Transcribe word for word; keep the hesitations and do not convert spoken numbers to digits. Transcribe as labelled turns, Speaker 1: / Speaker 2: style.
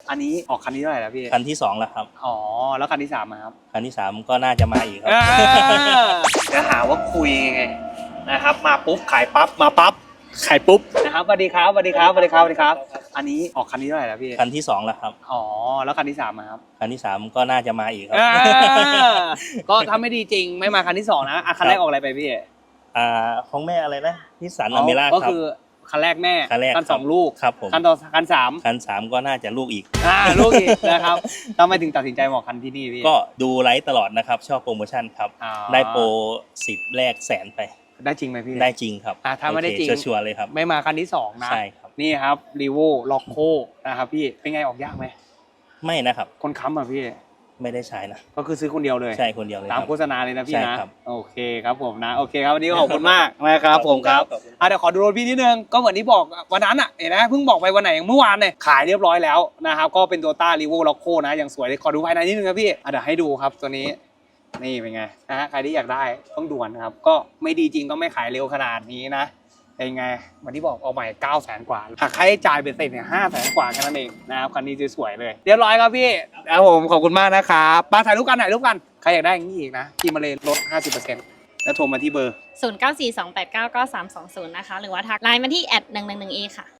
Speaker 1: อันนี้ออกคันที่เท่าไหร่แล้วพี่
Speaker 2: คันที่สองแล้วครับ
Speaker 1: อ๋อแล้วคันที่สามมาครับ
Speaker 2: คันที่สามก็น่าจะมาอีกครับ
Speaker 1: จะหาว่าคุยไงนะครับมาปุ๊บขายปั๊บมาปั๊บขายปุ๊บนะครับสวัสดีครับสวัสดีครับสวัสดีครับสวัสดีครับอันนี้ออกคันที่เท่าไหร่แล้วพี่
Speaker 2: คันที่สองแล้วครับ
Speaker 1: อ๋อแล้วคันที่สามมาครับ
Speaker 2: คันที่สามก็น่าจะมาอีกครับ
Speaker 1: ก็ถ้าไม่ดีจริงไม่มาคันที่สองนะอ่ะคันแรกออกอะไรไปพี่
Speaker 2: อ่าของแม่อะไรนะนิสสันอเมร่าครับ
Speaker 1: ก็คือคันแรกแม่
Speaker 2: คันแรก
Speaker 1: คันสองลูก
Speaker 2: ครับผม
Speaker 1: คันต่อคันสาม
Speaker 2: คันสามก็น่าจะลูกอีก
Speaker 1: อ่าลูกอีกนะครับทำไมถึงตัดสินใจมาออกคันที่นี่พี่
Speaker 2: ก็ดูไลฟ์ตลอดนะครับชอบโปรโมชั่นครับได้โปรสิบแรกแสนไป
Speaker 1: ได้จริงไหมพี่
Speaker 2: ได้จริงครับ
Speaker 1: อ่าถ้าไม่ได้จริง
Speaker 2: ชัวร์เลยครับ
Speaker 1: ไม่มาคันที่สองนะ
Speaker 2: ใช่ครับ
Speaker 1: นี่ครับรีโวล็อกโคนะครับพี่เป็นไงออกยากไหม
Speaker 2: ไม่นะครับ
Speaker 1: คนค้ำอ่ะพี่
Speaker 2: ไม่ได้ใช้นะ
Speaker 1: ก็คือซื้อคนเดียวเลย
Speaker 2: ใช่คนเดียวเลย
Speaker 1: ตามโฆษณาเลยนะพี่นะ
Speaker 2: ใช่ครับ
Speaker 1: โอเคครับผมนะโอเคครับวันนี้ขอบคุณมากนะครับผมครับอ่ะเดี๋ยวขอดูรถพี่นิดนึงก็เหมือนที่บอกวันนั้นอ่ะเห็นไหมเพิ่งบอกไปวันไหนเมื่อวานเนี่ยขายเรียบร้อยแล้วนะครับก็เป็นตัวต้ารีโวล็อกโคนะอย่างสวยเลยขอดูภายในนิดนึงครับพี่อ่ะเดี๋ยวให้ดูครับตัวนี้นี่เป็นไงนะฮะใครที่อยากได้ต้องด่วนนะครับก็ไม่ดีจริงก็ไม่ขายเร็วขนาดนี้นะเป็นไงวันที่บอกเอาใหม่เก้าแสนกว่าหักค่าใช้จ่ายเป็นเสร็จเนี่ยห้าแสนกว่าแค่นั้นเองนะครับคันนี้สวยๆเลยเรียบร้อยครับพี่ครับผมขอบคุณมากนะครับมาถ่ายรูปกันถ่ายรูปกันใครอยากได้อย่างนี้อีกนะที่มาเลยลด ห้าสิบเปอร์เซ็นต์ แล้วโทรมาที่เบอร์
Speaker 3: ศูนย์ เก้า สี่ สอง แปด เก้า เก้า สาม สอง ศูนย์นะคะหรือว่าทักไลน์มาที่แอดหนึ่งหนึ่งหนึ่งเอค่ะ